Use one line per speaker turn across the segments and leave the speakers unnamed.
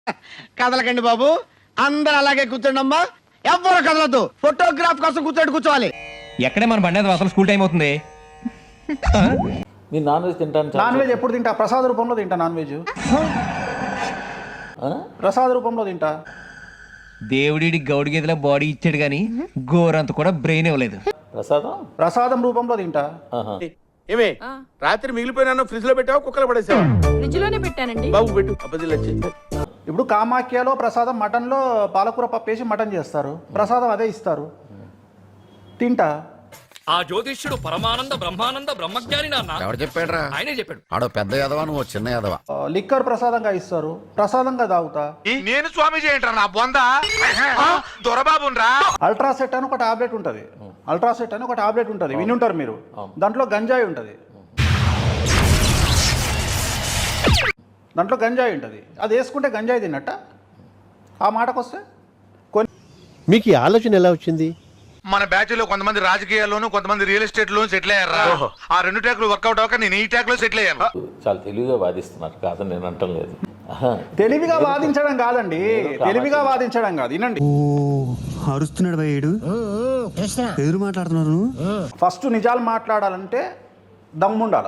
కదలకండి బాబు, అందరు అలాగే కూర్చోండి అమ్మా, ఎవ్వరు కదలద్దు. ఫోటోగ్రాఫ్ కోసం కూర్చోవాలి.
ఎక్కడే మన బండి అసలు స్కూల్ టైం అవుతుంది.
మీరు నాన్ వెజ్ తింటాను.
నాన్ వెజ్ ఎప్పుడు తింటా? ప్రసాద రూపంలో తింటా నాన్ వెజ్. ప్రసాద రూపంలో తింటా.
దేవుడి గౌడి గేదెల బాడీ ఇచ్చాడు గాని గోరంత కూడా బ్రెయిన్ ఇవ్వలేదు.
ప్రసాదం రూపంలో తింటా.
ఏమే రాత్రి మిగిలిపోయినా ఫ్రిడ్జ్ లో పెట్టావా, కుక్కలు పడేసావా?
ఫ్రిడ్జ్ లోనే పెట్టానండి.
బాబు పెట్టు, అబ్బదిలు వచ్చి.
ఇప్పుడు కామాఖ్యలో ప్రసాదం మటన్లో పాలకూర పప్పు వేసి మటన్ చేస్తారు, ప్రసాదం అదే ఇస్తారు, తింటా.
ఆ జ్యోతిష్యుడు పరమానంద బ్రహ్మానంద బ్రహ్మజ్ఞాని నాన్న.
ఎవరు చెప్పాడురా?
ఆయనే చెప్పాడు.
ఆడో పెద్ద యాదవా, నువ్వు చిన్న యాదవా.
లిక్కర్ ప్రసాదంగా ఇస్తారు, ప్రసాదంగా తాగుతా.
నేను స్వామి చేయంటారా నా బొందా దొరబాబురా.
అల్ట్రాసెట్ అని ఒక టాబ్లెట్ ఉంటుంది, అల్ట్రాసెట్ అని ఒక టాబ్లెట్ ఉంటుంది, వినుంటారు మీరు. దాంట్లో గంజాయి ఉంటుంది, దాంట్లో గంజాయి ఉంటుంది. అది వేసుకుంటే గంజాయి తిన్నట్ట. ఆ మాటకు వస్తే
మీకు ఈ ఆలోచన ఎలా వచ్చింది?
మన బ్యాచ్ లో కొంతమంది రాజకీయాల్లోనూ కొంతమంది రియల్ ఎస్టేట్ లోను సెటిల్ అయ్యారా. ఆ రెండు ట్రాక్లు వర్కౌట్ అవ్వక నేను ఈ ట్రాక్ లో సెటిల్ అయ్యాను.
చాలా తెలివిగా వాదిస్తున్నారు, కాదని నేను అంటం లేదు.
తెలివిగా వాదించడం కాదండి, తెలివిగా వాదించడం కాదు. వినండి,
అరుస్తున్నాడు భయ్యుడు, ఎదురు మాట్లాడుతున్నారు.
ఫస్ట్ నిజాలు మాట్లాడాలంటే దమ్ముండాల.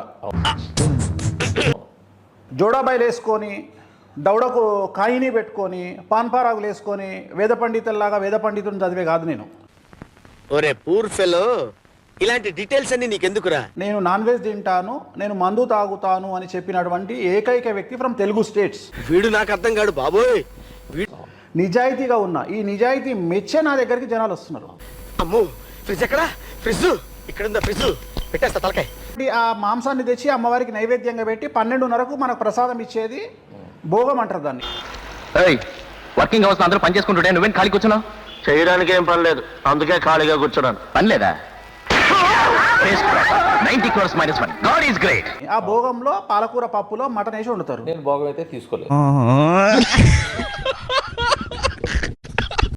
జోడాబాయిలు వేసుకొని దౌడకు కాయిని పెట్టుకొని పాన్పారాగులు వేసుకొని వేద పండితుల్లాగా వేద పండితుని చదివే కాదు నేను.
ఒరే పూర్ ఫెలో, ఇలాంటి డీటెయిల్స్ అన్ని నీకెందుకురా?
నేను నాన్ వెజ్ తింటాను, నేను మందు తాగుతాను అని చెప్పినటువంటి ఏకైక వ్యక్తి ఫ్రమ్ తెలుగు స్టేట్స్.
వీడు నాకు అర్థం కాడు బాబోయ్.
నిజాయితీగా ఉన్నా, ఈ నిజాయితీ మెచ్చే నా దగ్గరికి జనాలు వస్తున్నారు.
అమ్మో ఫ్రిడ్జ్ ఎక్కడా? ఫ్రిడ్జ్ ఇక్కడ ఉందా? ఫ్రిడ్జ్ పెట్టేస్తా తలకాయ.
ఆ మాంసాన్ని తెచ్చి అమ్మవారికి నైవేద్యంగా పెట్టి 12:30కు మనకు ప్రసాదం ఇచ్చేది భోగం అంటారు దాన్ని.
వర్కింగ్ అవర్స్ అందరూ పని చేసుకుంటుంటే నువ్వేం ఖాళీ కూర్చున్నావు?
చేయడానికి ఏం పని లేదు, అందుకే ఖాళీగా కూర్చున్నాను.
పని లేదా? 90 crores minus 1. God is great.
ఆ భోగంలో పాలకూర పప్పులో మటన్ వేసి వండుతారు.
నేను భోగం అయితే తీసుకోలేదు.